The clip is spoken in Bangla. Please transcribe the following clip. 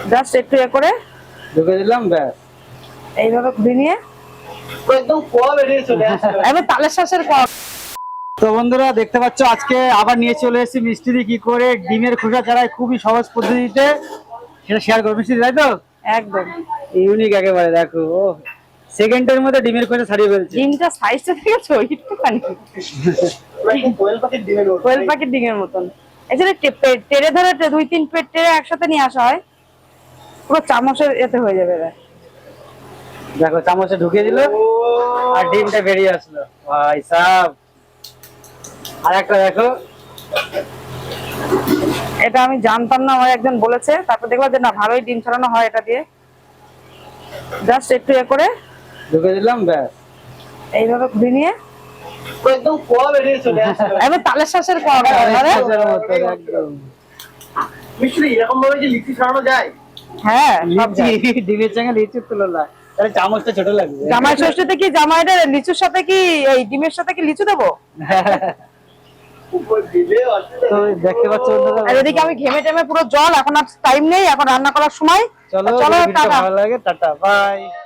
জাস্ট একটু এ করে ঢুকে দিলাম, ব্যাস। এইভাবে ঘুরিয়ে নিয়ে একদম কোয়া বেরিয়ে চলে আসলো। এবার তালের শাঁসের কর। তো বন্ধুরা দেখতে পাচ্ছ, আজকে আবার নিয়ে চলে এসেছি মিষ্টি কি করে ডিমের খোসা ছাড়াই খুবই সহজ পদ্ধতিতে সেটা শেয়ার করবো। মিষ্টি, তাই তো? একদম ইউনিক একেবারে। দেখো, ও সেকেন্ডের মধ্যে ডিমের খোসা ছাড়িয়ে ফেলছে। ডিমটা সাইজটা দেখেছো একটুখানি কোয়েল পাখির ডিমের মতন। এছাড়া টেরে ধরে 2-3 পেট টেরে একসাথে নিয়ে আসা হয়, পুরো চামচের এতে হয়ে যাবে। দেখো, চামচে ঢুকিয়ে দিল আর ডিমটা বেরিয়ে আসলো। ভাই সাব, আর একটা দেখো। এটা আমি জানতাম না, আমার একজন বলেছে, তারপর দেখলাম যে না, ভালোই ডিম ছাড়ানো হয় এটা দিয়ে। জাস্ট একটু এ করে ঢুকে দিলাম, ব্যাস। এইভাবে ঘুরিয়ে নিয়ে একদম কোয়া বেরিয়ে চলে আসলো। এবার তালের শাঁসের কর। একদম মিষ্টি। এরকম ভাবে যে লিচি ছাড়ানো যায়? হ্যাঁ, সব লিচি, যায়। ডিমের সঙ্গে লিচি তুলনা, তাহলে চামচটা ছোট লাগবে। জামাই ষষ্ঠীতে কি জামাইটা লিচুর সাথে কি এই ডিমের সাথে কি লিচু দেবো? তো দেখতে পাচ্ছ বন্ধুরা, আর এদিকে আমি ঘেমে টেমে পুরো জল, এখন আর টাইম নেই, এখন রান্না করার সময়। চলো, চলো, ভিডিওটা টাটা। ভালো লাগে, টাটা, বাই।